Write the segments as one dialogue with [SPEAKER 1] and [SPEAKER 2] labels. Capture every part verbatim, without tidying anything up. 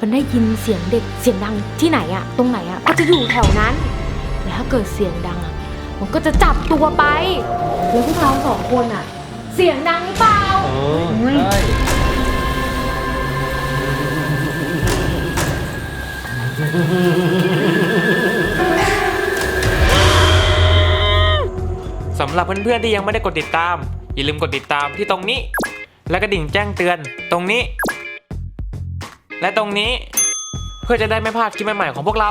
[SPEAKER 1] มันได้ยินเสียงเด็กเสียงดังที่ไหนอะตรงไหนอะก็จะอยู่แถวนั้นแล้วถ้าเกิดเสียงดังอะมันก็จะจับตัวไปแล้วพวกเราสองคนอะเสียงดังหรือเปล่า
[SPEAKER 2] เออใช่
[SPEAKER 3] สำหรับเพื่อนๆที่ยังไม่ได้กดติดตามอย่าลืมกดติดตามที่ตรงนี้และกระดิ่งแจ้งเตือนตรงนี้และตรงนี้เพื่อจะได้ไม่พลาดคลิปใหม่ๆของพวกเรา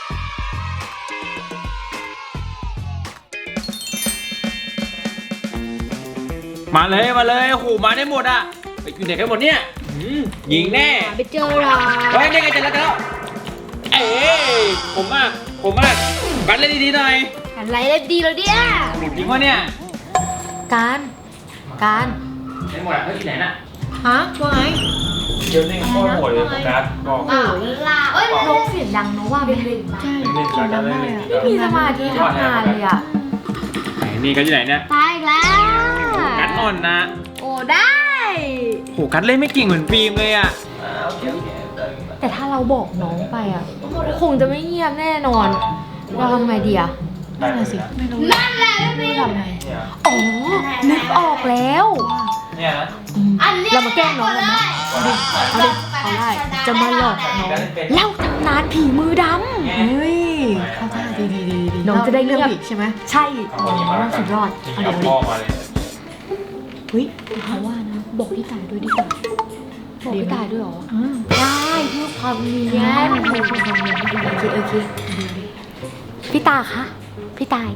[SPEAKER 2] มาเลยมาเลยโอ้โหมาได้หมดอ่ะไปอยู่ไหนกันหมดเนี่ยยิงแน่
[SPEAKER 1] ไปเจอเรา
[SPEAKER 2] เฮ้ยได้ไงจะแล้วจะแล้วเอ้ยผมมากผมมากกันเล่นดีๆหน่อย
[SPEAKER 1] อะไรเล่นดีแล้วเนี่ย
[SPEAKER 2] จริงวะเนี่ย
[SPEAKER 1] การการ
[SPEAKER 2] ได้หมดอ่ะเฮ้ยที่ไหนน่ะ
[SPEAKER 1] ฮะว่าไง
[SPEAKER 2] เดี๋ยวนี่ก็หมดเลยโฟกัสบอก
[SPEAKER 1] อ้าวลาเอ้ยนกเสียงดังเนาะว่าเป็นเล่นใช่เสียงดังมากเลยไม่มีสมาธิทำงานเลยอ่ะ
[SPEAKER 2] นี่กันที่ไหนเนี่ย
[SPEAKER 1] ตายแล้ว
[SPEAKER 2] กัดนอนนะ
[SPEAKER 1] โอ้ได้
[SPEAKER 2] โหกัดเล่นไม่เก่งเหมือนฟิล์มเลยอ่ะ
[SPEAKER 1] แต่ถ้าเราบอกน้องไปอ่ะคงจะไม่เงียบแน่นอนเราทำไงดีอ่ะนั่นแหละสิไม่รู้นั่นแหละไม่รู้ทำไงอ๋อนึกออกแล้ว
[SPEAKER 2] เนี่ยนะ
[SPEAKER 1] เรามาแกล้งน้องกันนะเอาดิเอาได้จะมาหลอกน้องเล่าตำนานผีมือดำ
[SPEAKER 4] เฮ้ยเข้าท่าดีดีดีดี
[SPEAKER 1] น้องจะได้เงียบ
[SPEAKER 4] ใช่ไหม
[SPEAKER 1] ใช่น้องสุดยอด
[SPEAKER 2] เอาเดี๋ยวดิ
[SPEAKER 1] เฮ้ยเขาว่านะบอกพี่ตายด้วยดีกว่าบอกพี่ตายด้วยหรอได้เพื่อความเนียนโอเคโอเคพี่ตาคะพี่ตาย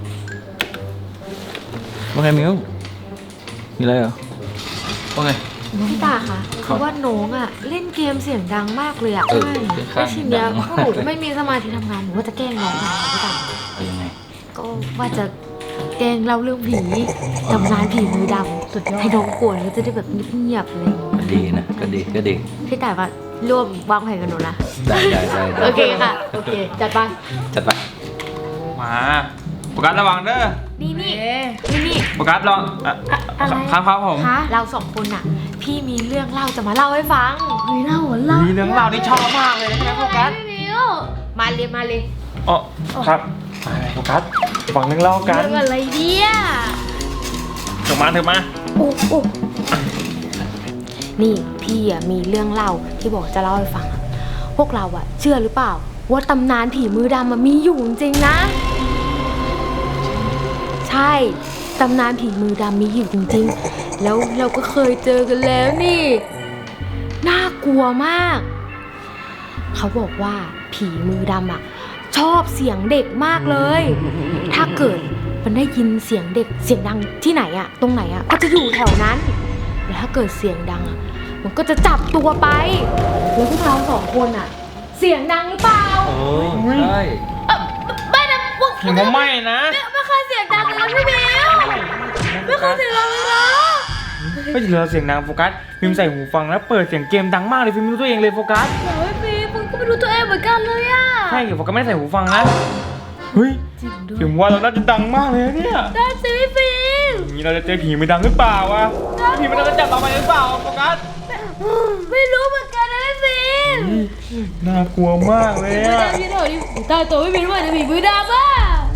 [SPEAKER 2] ว่าไงมิวมีอะไรเหรอว่าไง
[SPEAKER 1] พี่ตาคะคือว่าน้องอ่ะเล่นเกมเสียงดังมากเลยอ่ะใช่ทีเนี้ยพวกหนูไม่มีสมาธิทำงานหนูว่าจะแกล้งน้องค่ะพี่ตา
[SPEAKER 2] ยังไง
[SPEAKER 1] ก็ว่าจะแกล้งเล่าเรื่องผีตำนานผีมือดำสุดยอดให้น้องกลัวแล้วจะได้แบบเงียบๆเลย
[SPEAKER 2] ก็ดีนะก็ดีก็ดี
[SPEAKER 1] พี่ตาว่าร่วมวางแผนกับหนูนะ
[SPEAKER 2] ได้ได้ได้
[SPEAKER 1] โอเคค่ะโอเคจัดไป
[SPEAKER 2] จัดไปมาโฟกัสระวังเด้อ
[SPEAKER 1] นี่นี่นี่นี่
[SPEAKER 2] โฟกัสลอง
[SPEAKER 1] อะไร
[SPEAKER 2] ครับครับผม
[SPEAKER 1] เราสองคนอ่ะพี่มีเรื่องเล่าจะมาเล่าให้ฟัง
[SPEAKER 4] เฮ้ยเล่าเหรอเล่า
[SPEAKER 2] มีเรื่องเล่านี่ชอบมากเลยใช่ไหมโฟกัส
[SPEAKER 1] มาเลยมาเลย
[SPEAKER 2] อ๋อครับมาเลยโฟกัสฟังเรื่องเล่ากัน
[SPEAKER 1] เรื่องอะไรเนี่ย
[SPEAKER 2] เถอะมาเถอะมา
[SPEAKER 1] โอ้โอ้นี่พี่อ่ะมีเรื่องเล่าที่บอกจะเล่าให้ฟังพวกเราอ่ะเชื่อหรือเปล่าว่าตำนานผีมือดำมันมีอยู่จริงๆนะใช่ตำนานผีมือดำมีอยู่จริงๆแล้วเราก็เคยเจอกันแล้วนี่น่ากลัวมากเขาบอกว่าผีมือดำอ่ะชอบเสียงเด็กมากเลยถ้าเกิดมันได้ยินเสียงเด็กเสียงดังที่ไหนอ่ะตรงไหนอ่ะก็จะอยู่แถวนั้นแล้วถ้าเกิดเสียงดังอ่ะมันก็จะจับตัวไปแล้วพวกเราสองคนอ่ะเสียงดังหรือเปล่า
[SPEAKER 2] เออใช่
[SPEAKER 1] ไม่นะพวก
[SPEAKER 2] ผมไม่นะ
[SPEAKER 1] ไม่เคยเสียงดังเลยนะพี่เบลไม่เคยเสียงดังเลยนะ
[SPEAKER 2] ไม่ใช่เราเสียงดังโฟกัสฟิล์มใส่หูฟังแล้วเปิดเสียงเกมดังมากเลยฟิล์มไม่รู้ตัวเองเลยโฟกัส
[SPEAKER 1] โอ้ยฟิล์มก็ไม่รู้ตัวเองเหมือนกันเลยอ่ะ
[SPEAKER 2] ใช่โฟกัสไม่ได้ใส่หูฟังนะเฮ้ยฟิล์มว่าเราน่าจะดังมากเลยเนี่ย
[SPEAKER 1] ได้สิฟิล์ม
[SPEAKER 2] นี่เราจะเจอผีมือดังหรือเปล่าวะผีมันจะจับเราไปหรือเปล่าโฟกัส
[SPEAKER 1] ไม่รู้เหมือนกันนะฟิล์ม
[SPEAKER 2] น่ากลัวมากเลยอ่ะ
[SPEAKER 1] พี่เถอะดิตายตัวไม่เป็นว่าจะผีมือดำอ่ะ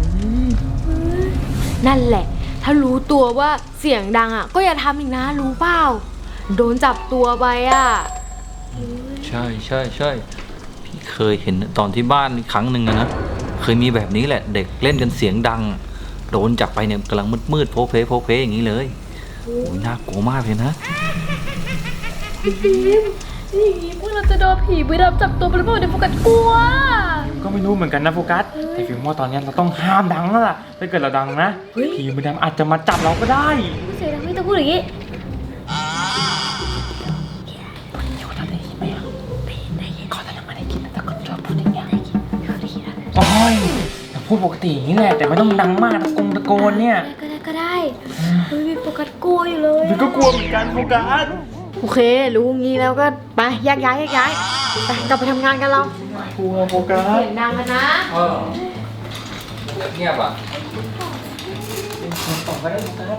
[SPEAKER 1] นั่นแหละถ้ารู้ตัวว่าเสียงดังอ่ะก็อย่าทำอีกนะรู้เปล่าโดนจับตัวไปอ่ะ
[SPEAKER 5] ใช่ใช่ใช่พี่เคยเห็นตอนที่บ้านครั้งหนึ่งนะเคยมีแบบนี้แหละเด็กเล่นกันเสียงดังโดนจับไปเนี่ยกำลังมืดๆโผล่เพโผล่เพอย่างนี้เลยโอ้ยน่ากลัวมากเลยนะ
[SPEAKER 1] พี่ฟิล์มนี่อย่างนี้พวกเราจะโดนผีมือดำจับตัวไปหรือเปล่าเดี๋ยวโฟกัสกลัว
[SPEAKER 2] ก็ไม่รู้เหมือนกันนะโฟกัสแต่ฟิล์มว่าตอนนี้เราต้องห้ามดังแล้วล่ะถ้าเกิดเราดังนะผีมือดำอาจจะมาจับเราก็ได้
[SPEAKER 1] เสียงดังไม่ต้องพูดอย่างนี้
[SPEAKER 2] โอ้ยพูดปกติอย่างนี้แหละแต่ไม่ต้องดังมากตะโกนตะโกนเนี่ย
[SPEAKER 1] ก็ได้ก็ได้เฮ้ยโฟกัสกลัวอยู่เลย
[SPEAKER 2] มันก็กลัวเหมือนกันโฟกัส
[SPEAKER 1] โอเครู้งี้แล้วก็ไปแยกย้ายแยกย้ายไปกลับไปทำงานกันเรา
[SPEAKER 2] กลัวโฟกัส
[SPEAKER 1] เสียงดังกันนะ
[SPEAKER 5] เออเงียบอ่ะ
[SPEAKER 2] ต่อไปได้โฟกัส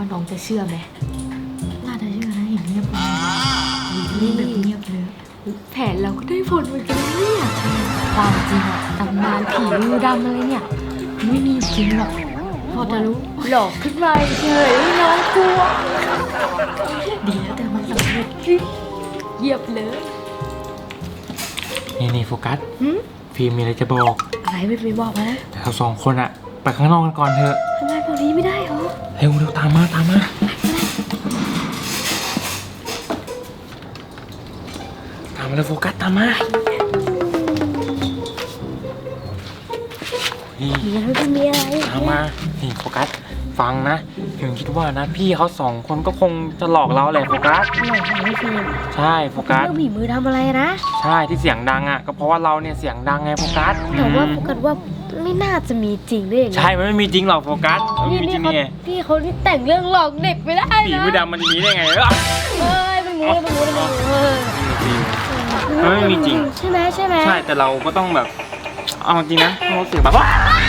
[SPEAKER 1] ว่าน้องจะเชื่อไหม
[SPEAKER 4] น่าจะเชื่อนะเห็นเงียบเลยนี่แบบเงียบเลย
[SPEAKER 1] แผนเราก็ได้ผลเหมือนกันนะเนี่ยความจริงอะตำนานผีมือดำอะไรเนี่ยไม่มีจริงหรอกพอจะรู้หลอกขึ้นมาเฉยๆน้องกลัว
[SPEAKER 4] ดีแล้วแต่มันสำเร็จ
[SPEAKER 1] เหยียบเลย
[SPEAKER 2] นี่นี่โฟกัส
[SPEAKER 1] หืม
[SPEAKER 2] ฟิล์มมีอะไรจะบอก
[SPEAKER 1] อะไรไม่ไปบอกนะ
[SPEAKER 2] แต่เราสองคนอะไปข้างนอกกันก่อนเถอะ
[SPEAKER 1] ทำไมบอกนี้ไม่ได้เหรอ
[SPEAKER 2] เร็วเร็วตามมาตามมาตามมาเลยโฟกัสตามมานี่
[SPEAKER 1] มีอะไรไม่มีอะไร
[SPEAKER 2] ตามมานี่โฟกัสฟังนะถึงคิดว่านะพี่เขาสองคนก็คงจะหลอกเราแหละโฟกัส
[SPEAKER 1] หลอกของไม่เฟรม
[SPEAKER 2] ใช่โฟกัส
[SPEAKER 1] เรื่องผีมือทำอะไรนะ
[SPEAKER 2] ใช่ที่เสียงดังอ่ะก็เพราะว่าเราเนี่ยเสียงดังไงโฟกัส
[SPEAKER 1] แต่ว่าโฟกัสว่าไม่น่าจะมีจริงได้ยังไง
[SPEAKER 2] ใช่มันไม่มีจริงหรอกโฟกัสมันไม่
[SPEAKER 1] นี่
[SPEAKER 2] มีจ
[SPEAKER 1] นี่
[SPEAKER 2] ริง
[SPEAKER 1] เขา
[SPEAKER 2] ไง
[SPEAKER 1] พี่เขานี่แต่งเรื่องหลอกเด็กไปได้
[SPEAKER 2] ผี
[SPEAKER 1] นะ
[SPEAKER 2] มือดำมันจะมีได้ไงเอ้ย
[SPEAKER 1] เอ้ยไม่รู้ไม่รู้ไม่รู้เออ
[SPEAKER 2] มันไม่มีจริง
[SPEAKER 1] ใช่ไหมใช่ไหม
[SPEAKER 2] ใช่แต่เราก็ต้องแบบเอาจริงนะเราเสียงแบบว่า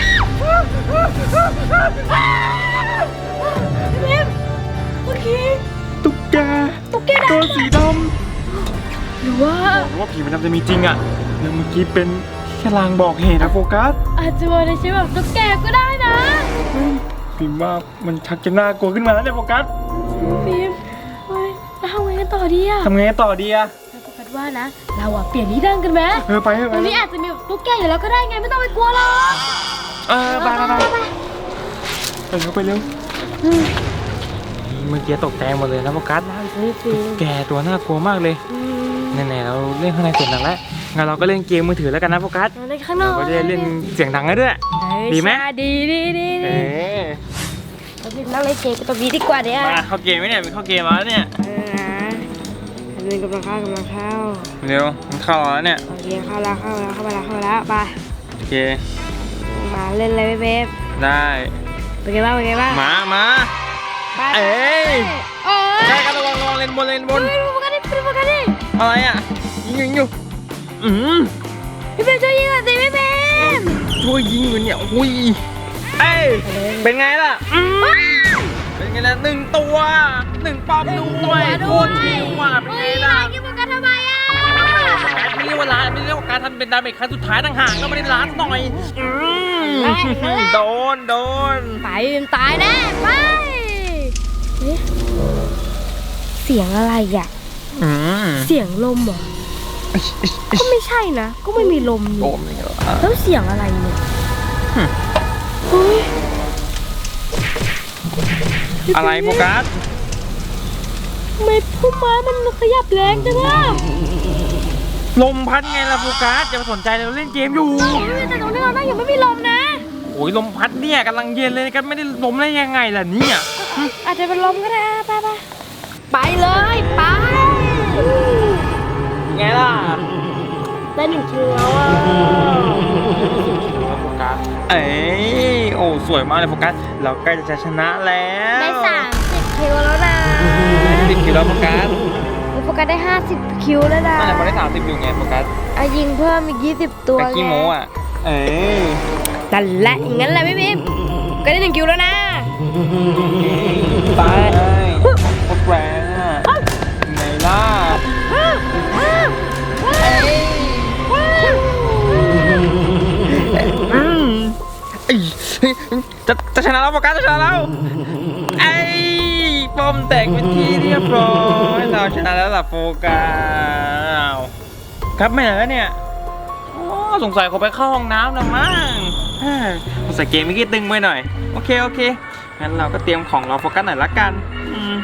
[SPEAKER 1] เมื่อกี้
[SPEAKER 2] ตุ๊กแก
[SPEAKER 1] ตุ๊กแกดำ
[SPEAKER 2] ตัวสีด
[SPEAKER 1] หรือว่า
[SPEAKER 2] ำบอกว่าผีมันดำจะมีจริงอ่ะแล้วเมื่อกี้เป็นแค่ลางบอกเหตุนะโฟกัส
[SPEAKER 1] อาจจะมาในชีวิตแบบตุ๊กแกก็ได้นะ
[SPEAKER 2] พิมพ์ว่ามันชักจะน่ากลัวขึ้นมาแล้วเนี่ยโฟกัส
[SPEAKER 1] ฟิล์มเฮ้ยแล้วทำไงกันต่อดีอะ
[SPEAKER 2] ทำไงต่อดีอะ
[SPEAKER 1] แล้วโฟกัสว่านะเราอะเปลี่ยนที่นั่งกันไหม
[SPEAKER 2] เออไปเถอะ
[SPEAKER 1] ต
[SPEAKER 2] ไป
[SPEAKER 1] รง
[SPEAKER 2] เถ
[SPEAKER 1] นี้
[SPEAKER 2] อะ
[SPEAKER 1] อาจจะมีตุ๊กแกอยู่แล้วก็ได้ไงไม่ต้องไปกลัวหรอก
[SPEAKER 2] เออไปไปไปไปเร็วไปเร็วเมื่อกี้ตกใจหมดเลยนะโฟกัส
[SPEAKER 1] เฮ้ยฟิล์ม
[SPEAKER 2] แกตัวน่ากลัวมากเลยแน่ๆเราเล่นข้างในเสร็จแล้วงั้นเราก็เล่นเกมมือถือแล้วกันนะโฟกัส
[SPEAKER 1] เราเล่นข้างน
[SPEAKER 2] เรา
[SPEAKER 1] อก
[SPEAKER 2] ก็จะได้เล่นเสียงดังกันด้วย
[SPEAKER 1] เฮ้ย
[SPEAKER 2] ดีไหม
[SPEAKER 1] ใช่ดีดีดี
[SPEAKER 2] เอ
[SPEAKER 1] ดี
[SPEAKER 2] อ
[SPEAKER 1] เราไปนั่งเล่นเกมกันตรงนี้ดีกว่าเนี่ย
[SPEAKER 2] มาเข้าเกมไหมเนี่ยเป็นเข้าเกมแล้วเนี่ย
[SPEAKER 1] เออนะอันนี้กำลังเข้ากำลังเข้า
[SPEAKER 2] เร็วมันเข้าแล้วเนี่ย
[SPEAKER 1] โอเคเข้าแล้วเข้าแล้วเข้ามาแล้วเข้ามาแล้วไป
[SPEAKER 2] โอเค
[SPEAKER 1] มาเล่นเลยเบ๊บ
[SPEAKER 2] ได้
[SPEAKER 1] เป็นไงบ้างเป็นไงบ้าง
[SPEAKER 2] มามา
[SPEAKER 1] ไป
[SPEAKER 2] เอ้ย
[SPEAKER 1] โอ้ย
[SPEAKER 2] ใช่กันระวังระวังเลนบนเลนบน
[SPEAKER 1] เฮ้ยดูโฟกัสดิดูโฟกัสดิ
[SPEAKER 2] อะไรอ่ะยิงยิงอยู่อืม
[SPEAKER 1] พี่เบ๊บช่วยยิงหน่อยสิพี่เบ๊บ
[SPEAKER 2] ช่วยยิงอยู่เนี่ยอุ้ยเอ้ยเป็นไงล่ะอืมเป็นไงล่ะหนึ่งตัวหนึ่งป้อมด้วยโคตรเท่ว่ะเป็นไงล่ะ
[SPEAKER 1] ยิงโฟกัสทำไมอ่ะ
[SPEAKER 2] การไม่เรียกว่าล้านไม่เรียกว่าการทำเป็นดาเมจครั้งสุดท้ายต่างหากก็ไม่ได้ล้านหน่อยอืมโดนโดน
[SPEAKER 1] ไปมันตายแน่ไปเอ๊ะเสียงอะไรอ่ะ
[SPEAKER 2] อืม
[SPEAKER 1] เสียงลมเหรอก็ไม่ใช่นะ ก็ไม่มีลม
[SPEAKER 2] โด
[SPEAKER 1] นี่
[SPEAKER 2] นเลยเหรอ
[SPEAKER 1] แล้วเสียงอะไรเนี่ยเฮ้ย
[SPEAKER 2] อะไรโฟกัส
[SPEAKER 1] ทำไมพุ่มไม้มันขยับแรงจังอ่ะ
[SPEAKER 2] ลมพัดไงล่ะโฟกัสอย่าไปสนใจเลยเราเล่นเกมอยู่
[SPEAKER 1] เฮ้ยแต่ตรงนี้เรานั่งอยู่ไม่มีลมนะ
[SPEAKER 2] โอ้ยลมพัดเนี่ยกำลังเย็นเลยกันไม่ได้ลมได้ยังไงล่ะเนี่ย
[SPEAKER 1] อาจจะเป็นลมก็ได้อ่ะไปไปไปเลยไป
[SPEAKER 2] ไงล่ะ
[SPEAKER 1] ได้หนึ่งคิวแล้วอ่ะ
[SPEAKER 2] โฟกัสเอ้ยโอ้สวยมากเลยโฟกัสเราใกล้จะชนะแล้ว
[SPEAKER 1] ได้สามสิบคิวแล้วนะ
[SPEAKER 2] สิบคิวแล้วโฟกัส
[SPEAKER 1] โฟกัสได้ห้าสิบคิวแล้วนะ
[SPEAKER 2] นั่นแหละพอได้สามสิบอยู่ไงโฟกัส
[SPEAKER 1] อ่ะยิงเพิ่มอีกยี่สิบตัว
[SPEAKER 2] ตะกี้โมอ่ะเอ้ย
[SPEAKER 1] นั่นแหละอย่างนั้นแหละพี่บิ๊มก็ได้หนึ่งคิวแล้วนะ
[SPEAKER 2] ตายโคตรแรงอ่ะไงล่ะอืมเอ้ยจะจะชนะแล้วโฟกัสจะชนะแล้วไอ้ป้อมแตกเป็นที่เรียบร้อยเราชนะแล้วล่ะโฟกัสครับไม่เหรอเนี่ยโอ้สงสัยเขาไปเข้าห้องน้ำแล้วมั้งเฮ้ยสงสัยเกมเมื่อกี้ตึงไปหน่อยโอเคโอเคงั้นเราก็เตรียมของเราโฟกัสหน่อยละกันอืม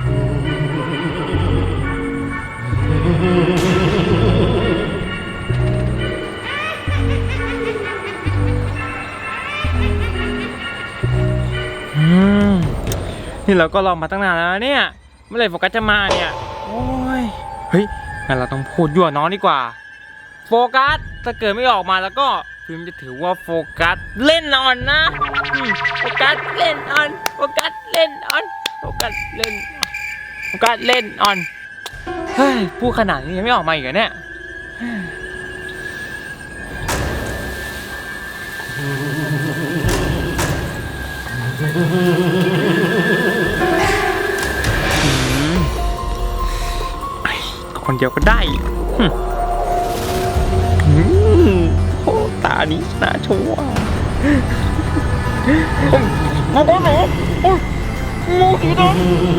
[SPEAKER 2] อืมนี่เราก็รอมาตั้งนานแล้วนะเนี่ยเมื่อไหร่โฟกัสจะมาเนี่ยโอ้ยเฮ้ยงั้นเราต้องพูดยั่วน้องดีกว่าโฟกัสถ้าเกิดไม่ออกมาแล้วก็ฟิล์มจะถือว่าโฟกัสเล่นอ่อนนะอืมโฟกัสเล่นอ่อนโฟกัสเล่นอ่อนโฟกัสเล่นโฟกัสเล่นอ่อนเฮ้ยพูดขนาดนี้ยังไม่ออกมาอีกเหรอเนี่ยเดียวก็ได้หึอืมโอ้ตานี้น่าชัวร์มาบ้านเหรอโอ้ยโมกีด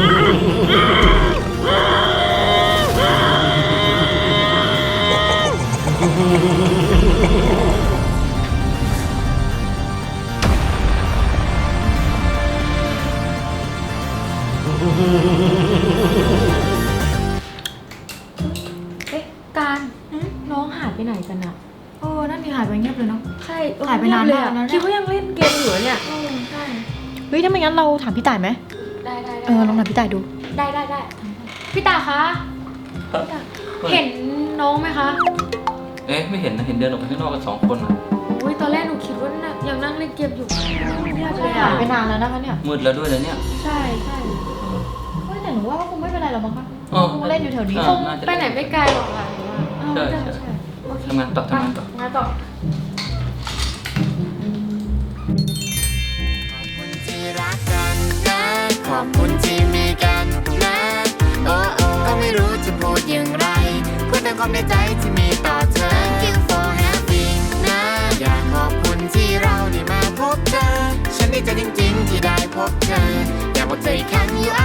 [SPEAKER 1] เอ๊ะการน้องหายไปไหนกันอะ
[SPEAKER 4] เออนั่นดีหายไปเงียบเลยเนาะ
[SPEAKER 1] ใช่เออ
[SPEAKER 4] หายไปนาน
[SPEAKER 1] เงีบ
[SPEAKER 4] มากแล้วเนี่ย
[SPEAKER 1] คิดว่ายังเล่นเกมอยู่เหรอเนี่ย
[SPEAKER 4] เออ
[SPEAKER 1] ใช่
[SPEAKER 4] เฮ้ยถ้าไม่งั้นเราถามพี่ต่ายไหม
[SPEAKER 1] ได้ได้ได้
[SPEAKER 4] เออลองถามพี่ต่ายดู
[SPEAKER 1] ได้ได้ได้พี่ตาคะพี่ตาเห็นน้องไหมคะ
[SPEAKER 5] เอ๊ะไม่เห็นนะเห็นเดินออกไปข้างนอกกันสองคนอะ
[SPEAKER 1] อุ้ยตอนแรกหนูคิดว่าน่ะยังนั่งเล่นเกมอยู่เงียบเลย
[SPEAKER 4] หา
[SPEAKER 1] อะ
[SPEAKER 4] ยไปนานแล้วนะคะเนี่ย
[SPEAKER 5] มืดแล้วด้วยนะเนี่ย
[SPEAKER 1] ใช่ใช่
[SPEAKER 4] เฮ้ยแต่หนูว่าคงไม่เป็นไรหรอกมั้งคะ
[SPEAKER 5] เออ
[SPEAKER 4] คงเล่นอยู่แถวนี้
[SPEAKER 5] เอ
[SPEAKER 1] ค
[SPEAKER 5] อง น่าจะ
[SPEAKER 1] ไปไหนไม่ไกลหรอกค่ะหนูว่า
[SPEAKER 4] เออ
[SPEAKER 5] ใช่
[SPEAKER 4] ใช่
[SPEAKER 5] ใช่
[SPEAKER 4] ใช่
[SPEAKER 1] โอเค
[SPEAKER 5] ทำงานต่อทำงานต่อ
[SPEAKER 1] งานต่อ
[SPEAKER 6] ที่รักกันนะขอบคุณที่มีกันนะโอ้โอ้ก็ไม่รู้จะพูดอย่างไรพูดแต่ความในใจที่มีต่อเธอ Thank you for having นะอยากขอบคุณที่เราได้มาพบเธอ ฉันดีใจจริงๆที่ได้พบเธอ อยากบอกเธออีกครั้ง you